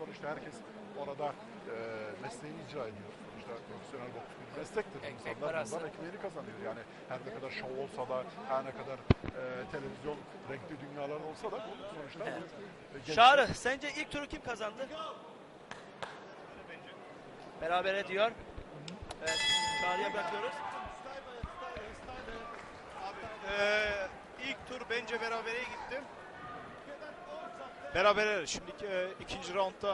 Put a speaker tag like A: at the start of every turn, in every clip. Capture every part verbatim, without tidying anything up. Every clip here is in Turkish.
A: sonuçta herkes orada e, mesleğini icra ediyor. Sonuçta profesyonel boks bir meslektir.
B: Ekmek
A: İnsanlar
B: parası.
A: bundan ekmeğini kazanıyor. Yani her ne kadar şov olsa da, her ne kadar e, televizyon renkli dünyalar olsa da bu sonuçta
B: Evet.
A: e, gençler-
B: Çağrı, sence ilk turu kim kazandı? Berabere diyor. Evet, Çağrı'ya bırakıyoruz.
C: Ee, ilk tur bence berabere gitti. Berabere. Şimdiki e, ikinci roundda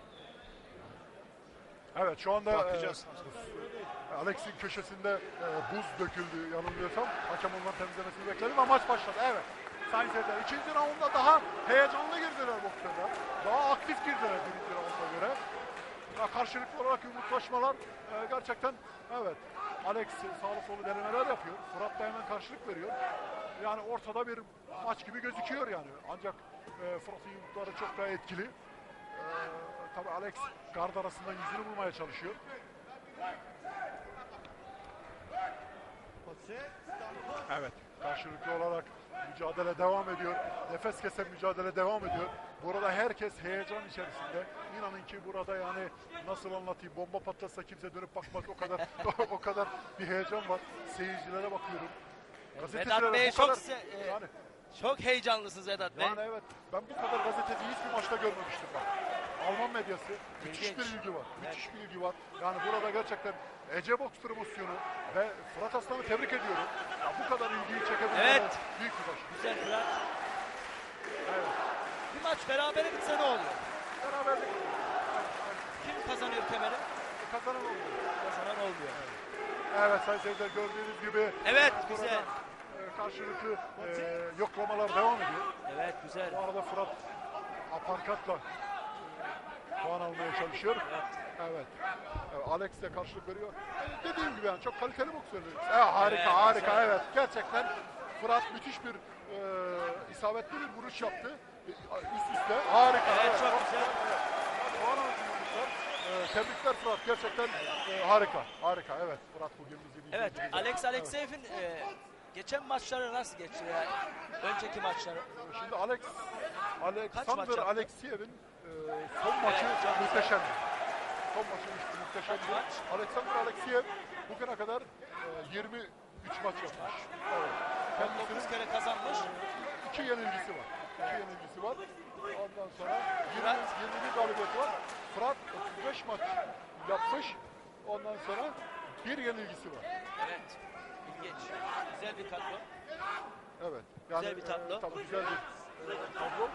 A: Evet, şu anda
C: bakacağız.
A: e, Alex'in köşesinde e, buz döküldü yanılmıyorsam. Hakem ondan temizlemesini bekledim ama maç başladı. Evet. Sayın seyirciler, ikinci raundda daha heyecanlı girdiler boksörler. Daha aktif girdiler birinci raunda göre. Ya karşılıklı olarak yumruklaşmalar e, gerçekten evet. Alex sağlı solu denemeler yapıyor. Fırat da hemen karşılık veriyor. Yani ortada bir maç gibi gözüküyor yani. Ancak e, Fırat'ın yumrukları çok daha etkili. E, tabii Alex gard arasından yüzünü bulmaya çalışıyor. Evet, karşılıklı olarak mücadele devam ediyor. Nefes kesen mücadele devam ediyor. Burada herkes heyecan içerisinde. İnanın ki burada yani nasıl anlatayım, bomba patlasa kimse dönüp bakmaz, o kadar o kadar bir heyecan var. Seyircilere bakıyorum.
B: Vedat Bey
A: bu
B: çok
A: kadar-
B: se- e,
A: yani,
B: çok heyecanlısınız Vedat Bey.
A: yani evet, ben bu kadar gazeteciyi hiçbir maçta görmemiştim bak. Alman medyası, müthiş
B: İlginç.
A: bir ilgi var,
B: Evet.
A: müthiş bir ilgi var. Yani burada gerçekten Ece Boks promosyonu ve Fırat Aslan'ı tebrik ediyorum. Ya bu kadar ilgiyi çekebilmeleri
B: Evet.
A: büyük bir baş.
B: Güzel Fırat.
A: Evet.
B: Bir maç berabere bitse ne oluyor?
A: Beraberlik
B: Kim kazanıyor kemeri?
A: kazanan oldu.
B: Kazanan olmuyor.
A: Evet sayın seyirciler, gördüğünüz gibi
B: Evet,
A: burada,
B: güzel.
A: e, karşılıklı e, yoklamalar devam ediyor.
B: Evet, güzel.
A: Bu arada Fırat aparkatla e, puan almaya çalışıyor.
B: Evet.
A: Evet. Evet, Alex de karşılık veriyor. E, dediğim gibi yani çok kaliteli boksörler. E, harika,
B: Evet,
A: harika.
B: güzel.
A: Evet. Gerçekten Fırat müthiş bir e, isabetli bir vuruş yaptı. E, üst üste. Harika.
B: Evet, çok güzel.
A: Evet. Yani puan aldı yumruklar. E, tebrikler Fırat. Gerçekten e, harika. Harika. Evet. Fırat bugün bizi bizi
B: Evet,
A: bizi-
B: Alex Alexeyev'in e, geçen maçları nasıl geçti ya? Önceki maçları.
A: Şimdi Alex
B: maç
A: Alexander
B: yaptı?
A: Alexeyev'in e, son maçı
B: Evet, çok güzel.
A: muhteşemdi. Son maçı muhteşemdi.
B: Kaç maç?
A: Alexander Alexeyev bugüne kadar e, yirmi üç maç yapmış. Evet.
B: on dokuz
A: Kendisinin
B: kere kazanmış.
A: iki yenilgisi var. İki yenilgisi var. Ondan sonra yirmi,
B: Fırat.
A: yirmi bir galibiyeti var. Fırat otuz beş maç yapmış. Ondan sonra bir yenilgisi var.
B: Evet. İlginç. Güzel bir kadro.
A: Evet. Yani,
B: Güzel bir tablo.
A: E, tabii güzel bir e, tablo.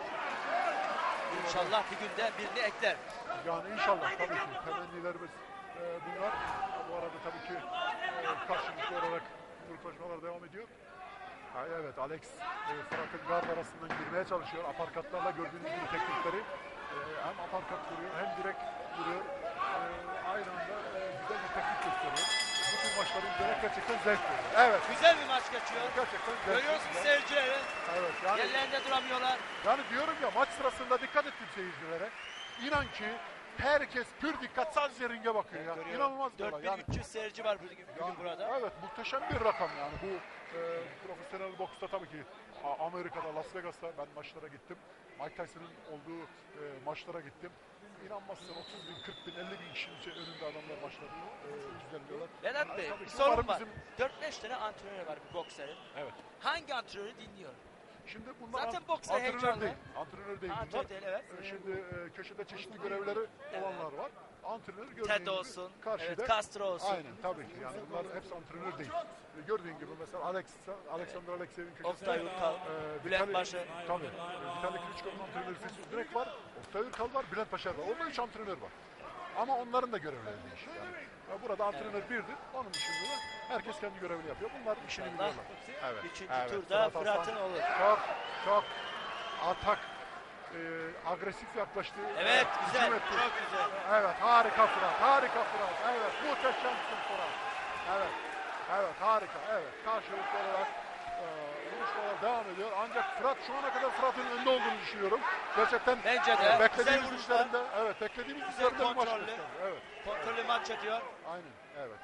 B: İnşallah bir günde birini ekler.
A: Yani inşallah tabii ki temennilerimiz e, bunlar. Bu arada tabii ki e, karşılıklı olarak yumruklaşmalar devam ediyor. Ha, evet, Alex e, Fırat'ın gard arasından girmeye çalışıyor. Aparkatlarla gördüğünüz gibi teknikleri e, hem aparkat vuruyor hem direkt vuruyor. E, aynı anda e, güzel bir teknik gösteriyor. Bu tür maçları izlemek gerçekten zevk veriyor. Evet,
B: Güzel bir maç geçiyor.
A: gerçekten zevk
B: Görüyorsunuz
A: veriyor.
B: seyircileri.
A: Evet, yani
B: Yerlerinde duramıyorlar.
A: Yani diyorum ya, maç sırasında dikkat ettim seyircilere. İnan ki herkes pür dikkat sadece ringe bakıyor. Yani.
B: Görüyorum.
A: İnanılmaz bir olay.
B: dört bin
A: Yani,
B: üç yüz seyirci var bugün, bugün
A: yani,
B: burada.
A: evet, muhteşem bir rakam yani. Bu e, profesyonel boksta tabii ki A- Amerika'da, Las Vegas'ta ben maçlara gittim. Mike Tyson'ın olduğu e, maçlara gittim. İnanmazsın otuz bin, kırk bin, elli bin kişinin içi- önünde adamlar maçları e, izleniyorlar.
B: Vedat
A: Yani
B: Bey
A: tabii
B: bir
A: ki
B: sorun
A: umarım
B: var.
A: bizim-
B: dört beş tane antrenör var bir bokserin.
A: Evet.
B: Hangi antrenörü dinliyor?
A: Şimdi bunlar
B: Zaten
A: ant-
B: boksa
A: antrenör
B: heyecanlı.
A: değil. Antrenör değil
B: Antrenör
A: bunlar.
B: değil, evet.
A: Ee, Şimdi e, köşede çeşitli görevleri olanlar var. Antrenör gördüğün
B: Ted
A: gibi
B: olsun,
A: karşıda.
B: evet, Castro olsun.
A: Aynen tabii ki. Yani bunlar hepsi antrenör değil. E, Gördüğün gibi mesela Alex, Alexander Alexeyev'in köşesinde.
B: Oktay Ürkal,
A: e,
B: Bülent
A: Vitali-
B: Paşa.
A: Tabii. E, Vitali Klitschko'nun antrenörü Füsun Direk var. Oktay Ürkal var. Bülent Paşar var. Orada üç antrenör var. Ama onların da görevleri değişik. Yani e, burada antrenör birdir. Onun dışında da herkes kendi görevini yapıyor. Bunlar işini
B: İnşallah.
A: biliyorlar. Evet.
B: Üçüncü
A: evet.
B: turda
A: Fırat
B: Fırat'ın
A: Aslan
B: olur.
A: Çok çok atak e, agresif yaklaştı.
B: Evet,
A: hücum
B: güzel.
A: etti.
B: Çok güzel.
A: Evet, harika Fırat. Harika Fırat. Evet, muhteşemsin Fırat. Evet. Evet, harika. Evet. Karşılıklı olarak e, vuruşmalar devam ediyor. Ancak Fırat şu ana kadar Fırat'ın önde olduğunu düşünüyorum. Gerçekten
B: Bence de.
A: e,
B: Güzel
A: beklediğimiz
B: vuruşlar.
A: üzerinde, evet, beklediğimiz üzerinde bir maç
B: kontrollü.
A: gösterdi. Evet.
B: Kontrollü maç yapıyor.
A: Aynen. Evet.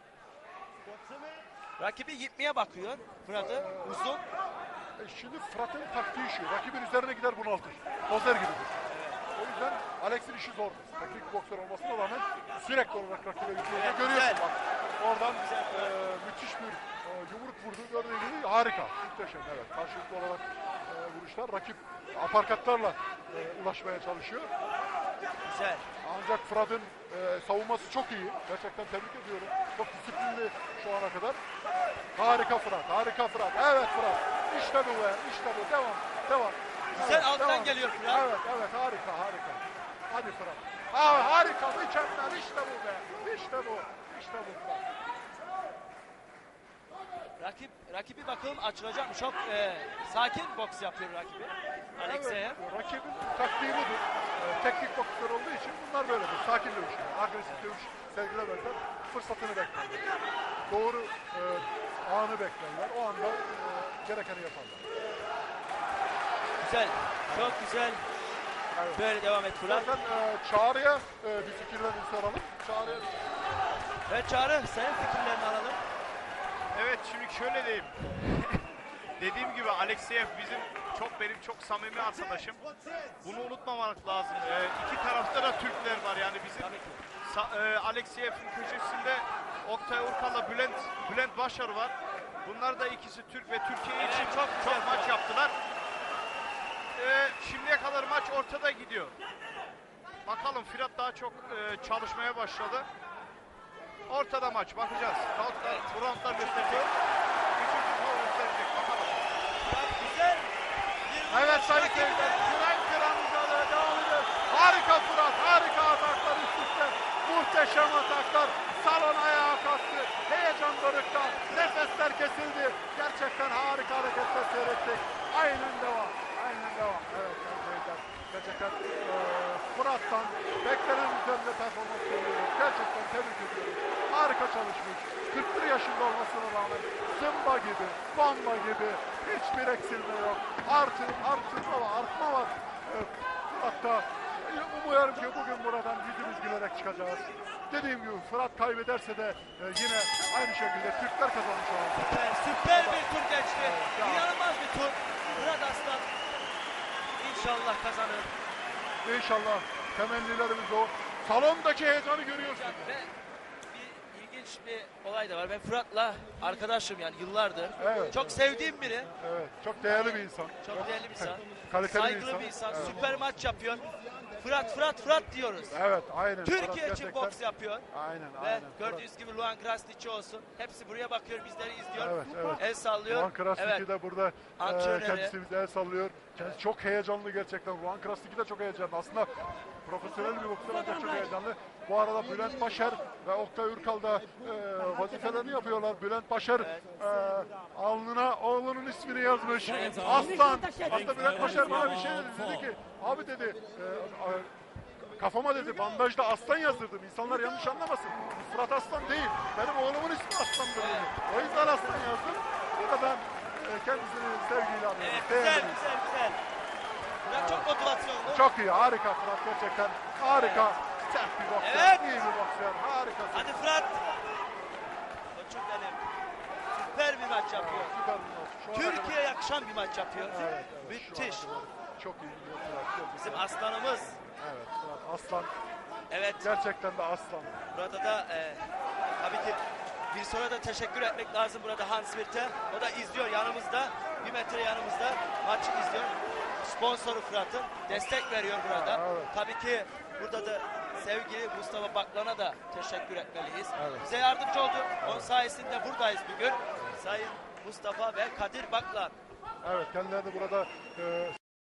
B: Rakibi gitmeye bakıyor. Fırat'ı uzun.
A: E, şimdi Fırat'ın taktiği şu. Rakibin üzerine gider bunaltır. Dozer gibidir. O yüzden Alex'in işi zor. Teknik boksör olmasına rağmen sürekli olarak rakibe gidiyor.
B: Evet,
A: Görüyorsun
B: güzel.
A: bak. Oradan e, müthiş bir e, yumruk vurdu. Gördüğün gibi harika. Muhteşem, evet. Karşılıklı olarak e, vuruşlar. Rakip aparkatlarla e, ulaşmaya çalışıyor.
B: Güzel.
A: Ancak Fırat'ın e, savunması çok iyi. Gerçekten tebrik ediyorum. Çok disiplinli şu ana kadar. Harika Fırat, harika Fırat. Evet Fırat. İşte bu be, işte bu. Devam, devam.
B: Güzel,
A: Evet,
B: alttan
A: devam.
B: geliyor Fırat.
A: Evet, evet, harika, harika. Hadi Fırat. Aa, harika, mükemmel. İşte bu be. İşte bu, işte bu Fırat.
B: Rakip rakibi bakalım açılacak mı? Çok e, sakin boks yapıyor rakibi. Alexeyev.
A: Evet, rakibin taktiği budur. Ee, teknik boksör olduğu için bunlar böyledir. Sakin dövüş. Agresif dövüş sergilemezler. Fırsatını beklerler. Doğru e, anı beklerler. O anda e, gerekeni yaparlar.
B: Güzel. Çok güzel.
A: Evet.
B: Böyle devam et Fırat.
A: Zaten e, Çağrı'ya e, bir fikirlerini soralım. Çağrı'ya
B: Ve Çağrı, senin fikirlerini alalım.
C: Evet, şimdi şöyle diyeyim. Dediğim gibi Alexeyev bizim çok benim çok samimi arkadaşım. Bunu unutmamak lazım. Ee, iki tarafta da Türkler var yani bizim.
B: Tabii ki.
C: Sa- e, Alexeyev'in köşesinde Oktay Urkal'la Bülent Bülent Başar var. Bunlar da ikisi Türk ve Türkiye
B: Evet,
C: için
B: çok
C: çok,
B: güzel
C: çok maç
B: maç.
C: yaptılar. Ee, şimdiye kadar maç ortada gidiyor. Bakalım Fırat daha çok e, çalışmaya başladı. Ortada maç, bakacağız. Roundlar, bu roundlar gösterecek. Üçüncü round gösterecek, bakalım.
B: Fırat güzel. Bir
A: evet
B: vuruş
A: sayın
B: rakibi.
A: seyirciler. Kıran kıran mücadele devam ediyor. Harika Fırat. Harika ataklar üst üste. Muhteşem ataklar. Salon ayağa kalktı. Heyecan dorukta. Nefesler kesildi. Gerçekten harika hareketler seyrettik. Aynen devam. Aynen devam. Evet sayın seyirciler. Gerçekten e, Fırat'tan beklenenin üzerinde performans görüyoruz. Gerçekten tebrik ediyoruz. Harika çalışmış. kırk bir yaşında olmasına rağmen zımba gibi, bomba gibi hiçbir eksilme yok. Artı, artırma var, artma var. E, Fırat'ta e, umuyorum ki bugün buradan yüzümüz gülerek çıkacağız. Dediğim gibi Fırat kaybederse de e, yine aynı şekilde Türkler kazanmış olacak.
B: Süper, süper bir tur geçti.
A: Evet, ya.
B: İnanılmaz bir tur. Fırat Aslan İnşallah kazanır.
A: İnşallah temennilerimiz o. Salondaki heyecanı görüyorsun.
B: Ve bir ilginç bir olay da var. Ben Fırat'la arkadaşım yani yıllardır.
A: Evet,
B: Çok
A: evet.
B: sevdiğim biri.
A: Evet, çok değerli bir insan.
B: Çok değerli bir insan.
A: Kaliteli
B: Saygılı bir insan.
A: Evet.
B: Süper maç yapıyor. Fırat, Fırat, Fırat diyoruz.
A: Evet, aynen.
B: Türkiye
A: Fırat
B: için
A: gerçekten-
B: boks yapıyor.
A: Aynen,
B: Ve
A: aynen.
B: gördüğünüz gibi Luan Krasniqi olsun. Hepsi buraya bakıyor, bizleri izliyor.
A: Evet, evet.
B: El sallıyor.
A: Ruan Krasniki
B: Evet.
A: de burada e,
B: Antrenörü.
A: kendisi bize el sallıyor. Kendisi çok heyecanlı gerçekten. Ruan Krasniki de çok heyecanlı. Aslında profesyonel bir boksör ancak çok heyecanlı. Bu arada Bülent Başar ve Oktay Ürkal da e, vazifelerini yapıyorlar. Bülent Başar e, alnına oğlunun ismini yazmış. Aslan. Hatta Bülent Başar bana bir şey dedi. Dedi ki abi dedi e, a- kafama dedi bandajda aslan yazdırdım. İnsanlar yanlış anlamasın. Bu Fırat Aslan değil. Benim oğlumun ismi Aslan'dır dedi. O yüzden aslan yazdım. Buradan e, kendisini sevgiyle anıyorum.
B: Evet,
A: Değerli
B: güzel,
A: bir insan.
B: güzel, güzel. Fırat çok motivasyonlu.
A: Çok iyi, harika Fırat gerçekten. Harika. Sert bir boksör,
B: Evet.
A: iyi bir boksör. Harikasın.
B: Hadi Fırat. Koçum benim. Süper bir maç yapıyor.
A: Süper bir maç. Şu ana kadar-
B: Türkiye'ye yakışan bir maç yapıyor.
A: Evet, evet, şu
B: Müthiş.
A: ana kadar Çok iyi bir Fırat. Gerçekten.
B: Bizim aslanımız.
A: Evet, Fırat Aslan.
B: Evet.
A: Gerçekten de aslan.
B: Burada da e, tabii ki bir sonra da teşekkür etmek lazım burada Hans Wirth'e. O da izliyor yanımızda. Bir metre yanımızda maçı izliyor. Sponsoru Fırat'ın. Destek veriyor burada.
A: Ha, evet.
B: Tabii ki burada da sevgili Mustafa Baklan'a da teşekkür etmeliyiz.
A: Evet.
B: Bize yardımcı oldu. Onun sayesinde buradayız bugün. Sayın Mustafa ve Kadir Baklan.
A: Evet, kendileri de burada e,